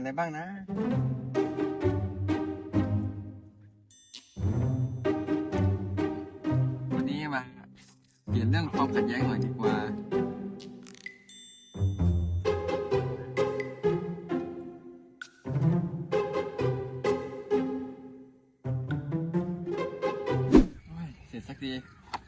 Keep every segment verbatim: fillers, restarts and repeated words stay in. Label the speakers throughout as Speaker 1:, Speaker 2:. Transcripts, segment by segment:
Speaker 1: อะไรบ้างนะวันนี้มาเปลี่ยนเรื่องความขัดแย้งหน่อยดีกว่าเสร็จสักที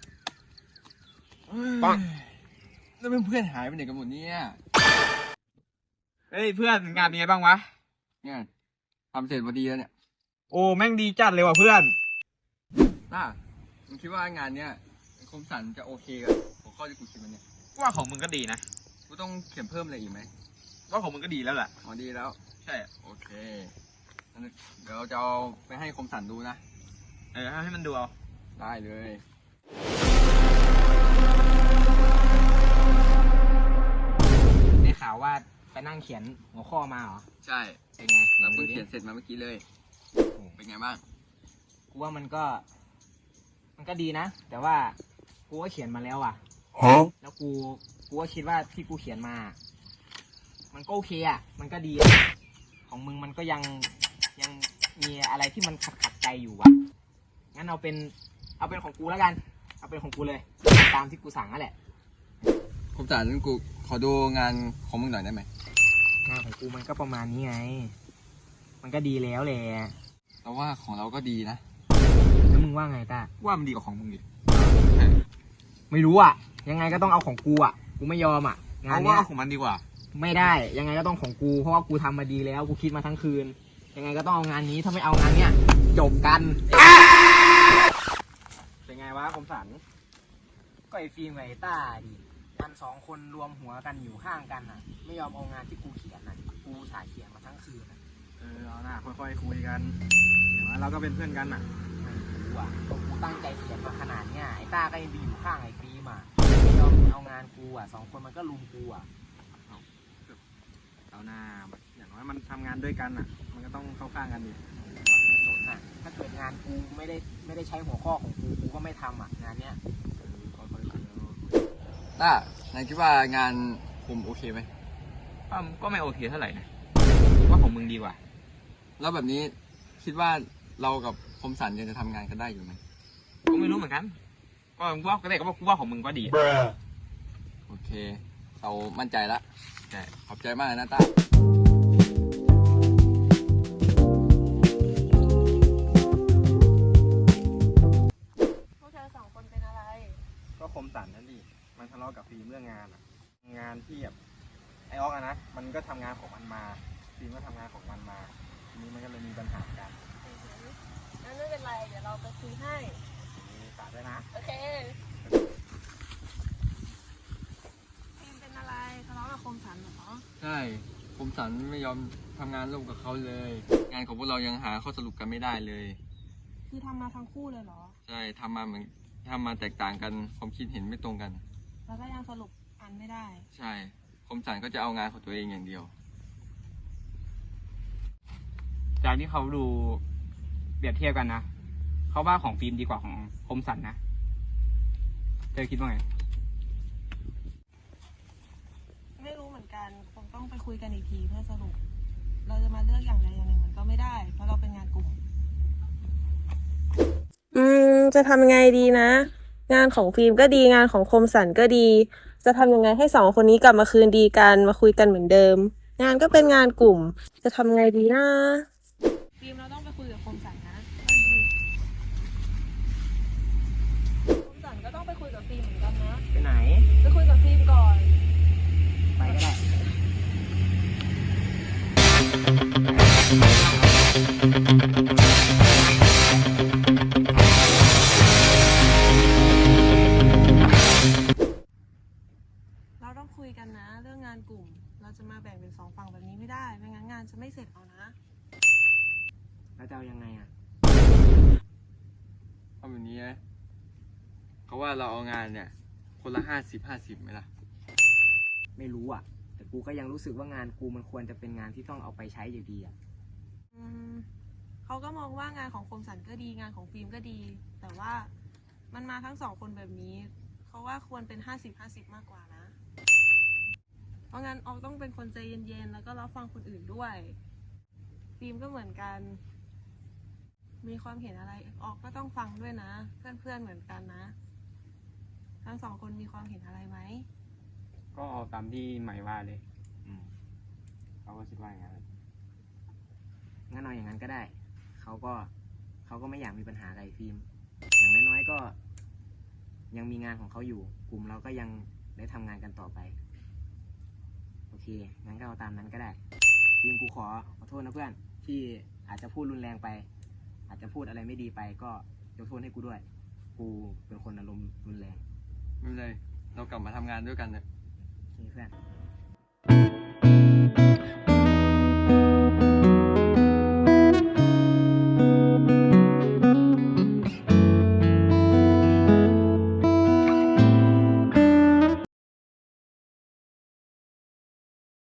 Speaker 1: ปังแล้วเพื่อนๆหายไปไหนกันหมดเนี่ย
Speaker 2: เฮ้ยเพื่อนงานเป็นไงบ้างวะ
Speaker 1: งานทำเสร็จพอดีแล้วเนี่ย
Speaker 2: โอ้แม่งดีจัดเลยว่ะเพื่อน
Speaker 1: น่ามึงคิดว่างานเนี้ยคมสันจะโอเคกับหัวข้อที่กูคิดมันเนี่ย
Speaker 2: ว่าของมึงก็ดีนะ
Speaker 1: กูต้องเขียนเพิ่มอะไรอีกไหม
Speaker 2: ว่าของมึงก็ดีแล้วแหละ
Speaker 1: อ๋อดีแล้ว
Speaker 2: ใช่
Speaker 1: โอเคเดี๋ยวเราจะเอาไปให้คมสันดูนะ
Speaker 2: เออให้มันดูเอา
Speaker 1: ได้เลย
Speaker 3: ได้ข่าวว่าไปนั่งเขียนหัวข้อมาเหรอ
Speaker 1: ใช่
Speaker 3: เป็นไง
Speaker 1: เราเพิ่งเขียนเสร็จมาเมื่อกี้เลยเป็นไงบ้าง
Speaker 3: กูว่ามันก็ มันก็ดีนะแต่ว่ากูก็เขียนมาแล้วอ่ะแล้วกูกูก็คิดว่าที่กูเขียนมา มันก็โอเคอ่ะมันก็ดีของมึงมันก็ยังยังมีอะไรที่มันขัดขัดใจอยู่อ่ะงั้นเอาเป็นเอาเป็นของกูแล้วกันเอาเป็นของกูเลยตามที่กูสั่งนั่นแหละ
Speaker 1: คมสันกูขอดูงานของมึงหน่อยได้ไหม
Speaker 3: งานของกูมันก็ประมาณนี้ไงมันก็ดีแล้วแหละ
Speaker 1: แต่ว่าของเราก็ดีนะ
Speaker 3: แล้วมึงว่าไงต้า
Speaker 2: ว่ามันดีกว่าของมึงอีก
Speaker 3: ไม่รู้อ่ะยังไงก็ต้องเอาของกูอ่ะกูไม่ยอมอ่ะ
Speaker 2: งานนี้ของมันดีกว่า
Speaker 3: ไม่ได้ยังไงก็ต้องของกูเพราะว่ากูทำมาดีแล้วกูคิดมาทั้งคืนยังไงก็ต้องเอางานนี้ถ้าไม่เอางานเนี้ยจบกันเป็นไงวะคมสันก็ไอฟิล์มกับไอต้าดิมันสองคนรวมหัวกันอยู่ข้างกันอ่ะไม่ยอมเอางานที่กูเขียนอ่ะกูถ่ายเขียนมาทั้งคืน
Speaker 2: เออเอาหน้าค่อยๆคุยกันเดี๋ยวเราก็เป็นเพื่อนกันอ่ะ
Speaker 3: ไม่รู้อ่ะกูตั้งใจเขียนมาขนาดเนี้ยไอต้าก็ยังไปอยู่ข้างไอฟิล์มอ่ะไม่ยอมเอางานกูอ่ะสองคนมันก็ลุมกูอ่ะ
Speaker 2: เอาหน้าอย่างน้อยมันทำงานด้วยกันอ่ะมันก็ต้องเข้าข้างกันดิ
Speaker 3: ไม่สนอ่ะถ้าเกิดงานกูไม่ได้ไม่ได้ใช้หัวข้อของกูกูก็ไม่ทำอ่ะงานเนี้ย
Speaker 1: ต้านายคิดว่างานผมโอเคไหม
Speaker 2: ก็ไม่โอเคเท่าไหร่นะว่าของมึงดีกว่า
Speaker 1: แล้วแบบนี้คิดว่าเรากับคมสันยังจะทำงานกันได้อยู่ไหม
Speaker 2: ก็ไม่รู้เหมือนกันก็ว่าก็ได้ก็ว่ากูว่าของมึงก็ดี
Speaker 1: โอเคเรามั่นใจละ
Speaker 2: ใช่
Speaker 1: ขอบใจมากนะต้า
Speaker 4: พวกเธอสองคนเป็นอะไร
Speaker 2: ก็คมสันนั่นดิมันทะเลาะกับฟิล์มเรื่องงานอ่ะงานที่แบบไอออกอะนะมันก็ทำงานของมันมาฟิล์มก็ทำงานของมันมาทีนี้มันก็เลยมีปัญหากัน
Speaker 4: งั้นไม่เป็นไรเดี๋ยวเราไปคุยให้
Speaker 2: ฝากด้วยนะ
Speaker 4: โอเคฟิล์มเป็นอะไรทะเลาะกับคมสันเหรอ
Speaker 1: ใช่คมสันไม่ยอมทำงานร่วมกับเขาเลยงานของพวกเรายังหาข้อสรุปกันไม่ได้เลย
Speaker 4: คือทำมาทั้งคู่เลยเหรอ
Speaker 1: ใช่ทำมาเหมือนทำมาแตกต่างกันความคิดเห็นไม่ตรงกัน
Speaker 4: แล้วก็ยังสรุปกันไม่ได้
Speaker 1: ใช่คมสันก็จะเอางานของตัวเองอย่างเดียว
Speaker 2: จากที่เขาดูเปรียบเทียบกันนะเขาว่าของฟิล์มดีกว่าของคมสันนะเธอคิดว่าไง
Speaker 4: ไม่รู้เหมือนกันคงต้องไปคุยกันอีกทีเพื่อสรุปเราจะมาเลือกอย่างใดอย่างหนึ่งมันก็ไม่ได้เพราะเราเป็นงานกลุ่ม
Speaker 5: อืมจะทำยังไงดีนะงานของฟิล์มก็ดีงานของคมสันก็ดีจะทำยังไงให้สองคนนี้กลับมาคืนดีกันมาคุยกันเหมือนเดิมงานก็เป็นงานกลุ่มจะทำไงดีนะ
Speaker 4: ฟิล์มเราต้องไปคุยกับคมสันนะคมสันก็ต้องไปคุยกับฟิล์มเหมือนกันนะ
Speaker 3: ไปไหน
Speaker 4: ไปคุยกับฟิล์มก่อน
Speaker 3: ไปก็ได้
Speaker 4: เราต้องคุยกันนะเรื่องงานกลุ่มเราจะมาแบ่งเป็นสองฝั่งแบบนี้ไม่ได้ไม่งั้นงานจะไม่เสร็จเอานะ
Speaker 3: แล้วจะเอายังไงอ่ะ
Speaker 1: เอาแบบนี้นะเขาว่าเราเอางานเนี่ยคนละห้าสิบห้าสิบไหมล่ะ
Speaker 3: ไม่รู้อ่ะแต่กูก็ยังรู้สึกว่างานกูมันควรจะเป็นงานที่ต้องเอาไปใช้อยู่ดีอ่ะ
Speaker 4: อืมเขาก็มองว่างานของคมสันก็ดีงานของฟิล์มก็ดีแต่ว่ามันมาทั้งสองคนแบบนี้เขาว่าควรเป็นห้าสิบห้าสิบมากกว่านะเพราะงั้นออกต้องเป็นคนใจเย็นๆแล้วก็รับฟังคนอื่นด้วยฟิล์มก็เหมือนกัน มีความเห็นอะไรออกก็ต้องฟังด้วยนะ เพื่อนๆเหมือนกันนะ ทั้งสองคนมีความเห็นอะไรไหม
Speaker 6: ก็เอาตามที่ใหม่ว่าเลย
Speaker 3: อืม
Speaker 6: เขาก็คิดว่าอย่างนั้น
Speaker 3: งั้นเอาอย่างนั้นก็ได้ เขาก็เขาก็ไม่อยากมีปัญหากับไอ้ฟิล์ม อย่างน้อยๆก็ ยังมีงานของเขาอยู่ กลุ่มเราก็ยังได้ทำงานกันต่อไป โอเค งั้นก็เอาตามนั้นก็ได้ ฟิล์มกูขอขอโทษนะเพื่อน ที่อาจจะพูดรุนแรงไป อาจจะพูดอะไรไม่ดีไป ก็ยกโทษให้กูด้วย กูเป็นคนอารมณ์รุนแรง
Speaker 1: ไม่เป็นไรเรากลับมาทำงานด้วยกันเถอะ
Speaker 3: โอเคเพื่อน